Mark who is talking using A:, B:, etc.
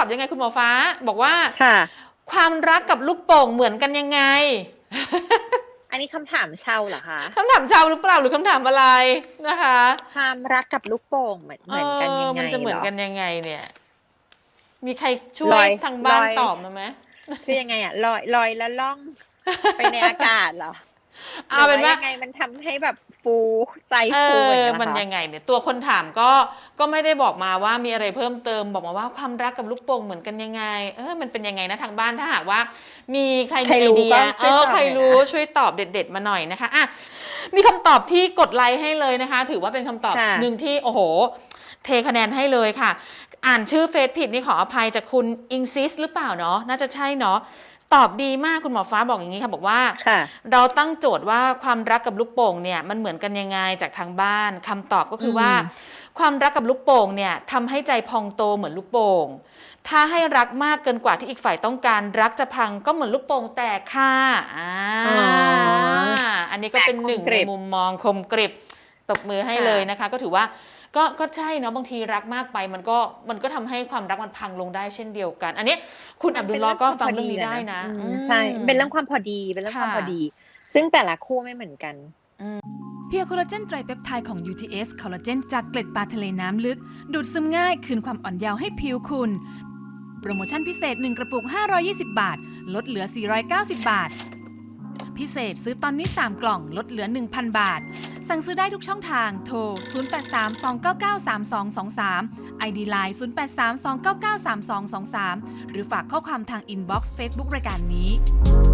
A: อบยังไงคุณหมอฟ้าบอกว่า
B: ค่ะ
A: ความรักกับลูกโป่งเหมือนกันยังไง
B: อันนี้คำถามเชาเหรอคะ
A: คำถามชาวหรือเปล่าหรือคำถามอะไรนะคะ
B: ความรักกับลูกโป่งเหมือนกันยังไง
A: มันจะเหมือน
B: เหรอ
A: กันยังไงเนี่ย มีใครช่ว
B: ลอย
A: ยทางบ้าน
B: ลอย
A: ตอบมาไหม
B: คือยังไงอะลอยแล้วล่องไปในอากาศเหรอหรื
A: เอา
B: อ
A: เป็นว่า
B: ว่ายังไงมันทำให้แบบฟูใจฟูอย่างเงี้ยเหรอ
A: มัน
B: คะ
A: ยังไงเนี่ยตัวคนถามก็ไม่ได้บอกมาว่ามีอะไรเพิ่มเติมบอกมาว่าความรักกับลูกโป่งเหมือนกันยังไงมันเป็นยังไงนะทางบ้านถ้าหากว่ามีใครมีไอเดียใครรู้ช่วยตอบเด็ดๆมาหน่อยนะคะอ่ะมีคำตอบที่กดไลค์ให้เลยนะคะถือว่าเป็นคำตอบหนึ่งที่โอ้โหเทคะแนนให้เลยค่ะอ่านชื่อเฟซผิดนี่ขออภัยจากคุณอิงซิสหรือเปล่าเนาะน่าจะใช่เนาะตอบดีมากคุณหมอฟ้าบอกอย่างนี้ค่ะบอกว่าเราตั้งโจทย์ว่าความรักกับลูกโป่งเนี่ยมันเหมือนกันยังไงจากทางบ้านคำตอบก็คือว่าความรักกับลูกโป่งเนี่ยทำให้ใจพองโตเหมือนลูกโป่งถ้าให้รักมากเกินกว่าที่อีกฝ่ายต้องการรักจะพังก็เหมือนลูกโป่งแตกค่ะอันนี้ก็เป็นหนึ่งในมุมมองคมกริบตบมือให้เลยนะคะก็ถือว่าก็ใช่เนาะบางทีรักมากไปมันก็ทำให้ความรักมันพังลงได้เช่นเดียวกันอันนี้คุณอับดุลลอฮ์ก็ฟังเรื่องนี้ได้นะ
B: ใช่เป็นเรื่องความพอดีเป็นเรื่องความพอดีซึ่งแต่ละคู่ไม่เหมือนกัน
C: เพียวคอลลาเจนไตรเปปไทด์ของ UTS คอลลาเจนจากเกล็ดปลาทะเลน้ำลึกดูดซึมง่ายคืนความอ่อนเยาว์ให้ผิวคุณโปรโมชั่นพิเศษ1กระปุก520 บาทลดเหลือ490 บาทพิเศษซื้อตอนนี้3กล่องลดเหลือ 1,000 บาทสั่งซื้อได้ทุกช่องทางโทร 0832993223 ID Line 0832993223 หรือฝากข้อความทางอินบ็อกซ์ Facebook รายการนี้